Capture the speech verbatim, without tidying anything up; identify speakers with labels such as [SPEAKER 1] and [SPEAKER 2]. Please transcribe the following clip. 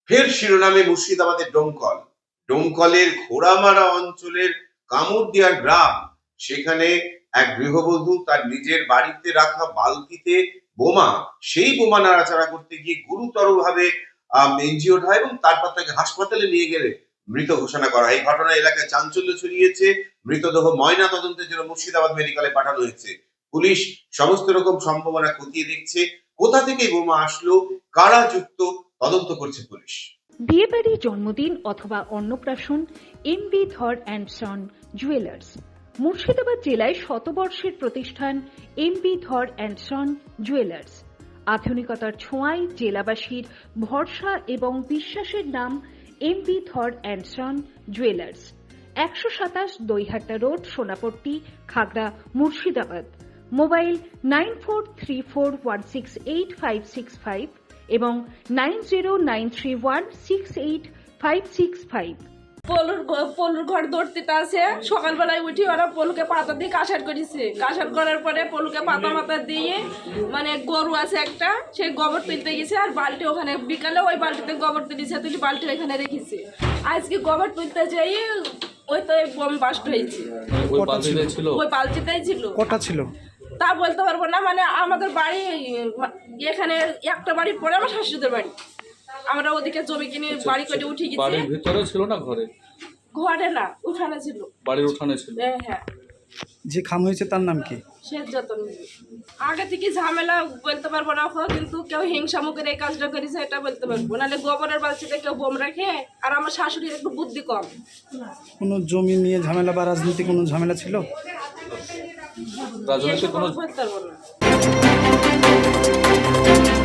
[SPEAKER 1] ফের শিরোনামে মুর্শিদাবাদের ডোমকল। ডোমকলের ঘোড়ামারা অঞ্চলের কামুরদিয়ার গ্রাম, সেখানে এক গৃহবধূ তার নিজের বাড়িতে রাখা বালতিতে বোমা, সেই বোমা নাড়াচাড়া করতে গিয়ে গুরুতর ভাবে ইনজিওর্ড হয় এবং তারপর তাকে হাসপাতালে নিয়ে গেলে মৃত ঘোষণা করা হয়। এই ঘটনায় এলাকায় চাঞ্চল্য ছড়িয়েছে। মৃতদেহ ময়না তদন্তের জন্য মুর্শিদাবাদ মেডিকেলে পাঠানো হয়েছে। পুলিশ সমস্ত রকম সম্ভাবনা খতিয়ে দেখছে। কোথা থেকে বোমা আসলো, কারা যুক্ত, তদন্ত করছে পুলিশ।
[SPEAKER 2] বিয়েবাড়ি, জন্মদিন অথবা অন্নপ্রাশন, M B Dhar and son jewellers. Murshidabad জেলায় শতবর্ষের প্রতিষ্ঠান M B Dhar and son jewellers. আধুনিকতার ছোঁয়ায় জেলাবাসীর ভরসা এবং বিশ্বাসের নাম M B Dhar and son jewellers. একশো সাতাশ Daihata road, Sonapatti, Khagra, Murshidabad. Mobile nine four three four one six eight five six five এবং nine zero nine three one six eight five six five.
[SPEAKER 3] পলুর পলুর ঘর দৌড়তে আছে। সকালবেলায় উঠি ওরা পলুকে পাতা দিয়ে কাঁসার করেছে। কাঁসার করার পরে পলুকে পাতা মাথা দিয়ে, মানে গরু আছে একটা, সেই গোবর তুলতে গেছে। আর বালতি ওখানে বিকালে ওই বালতিতে গোবর তুলেছে, তুলি বালতি ওইখানে রেখেছে। আজকে গোবর তুলতে যাই ওই তো বোম বাস্ট হয়েছে। ওই বালতিতেই ছিল।
[SPEAKER 4] কটা ছিল
[SPEAKER 3] তা বলতে পারবো না, মানে আমাদের বাড়ি এখানে একটা বাড়ি পরে আমার শাশুড়িদের বাড়ি। আমরা ওদিকে জমি কিনে বাড়ি করে উঠে গেছি।
[SPEAKER 5] বাড়ির ভিতরে ছিল না ঘরে?
[SPEAKER 3] ঘরে না, উঠানে ছিল।
[SPEAKER 5] বাড়ির উঠানে ছিল।
[SPEAKER 3] হ্যাঁ হ্যাঁ।
[SPEAKER 4] যে খাম হয়েছে তার নাম কি?
[SPEAKER 3] শেষ যতন। আগে থেকে ঝামেলা বলতে পারবো না, কিন্তু কেউ হিংসা মুখের এই কাজটা করেছে এটা বলতে পারবো। নাহলে গোবরের বালতিতে কেউ বোম রাখে। আর আমার শাশুড়ির একটু বুদ্ধি কম।
[SPEAKER 4] কোনো জমি নিয়ে ঝামেলা বা রাজনীতি কোনো ঝামেলা ছিল?
[SPEAKER 5] রাজনীতি কোনো
[SPEAKER 3] বলতে পারবো না।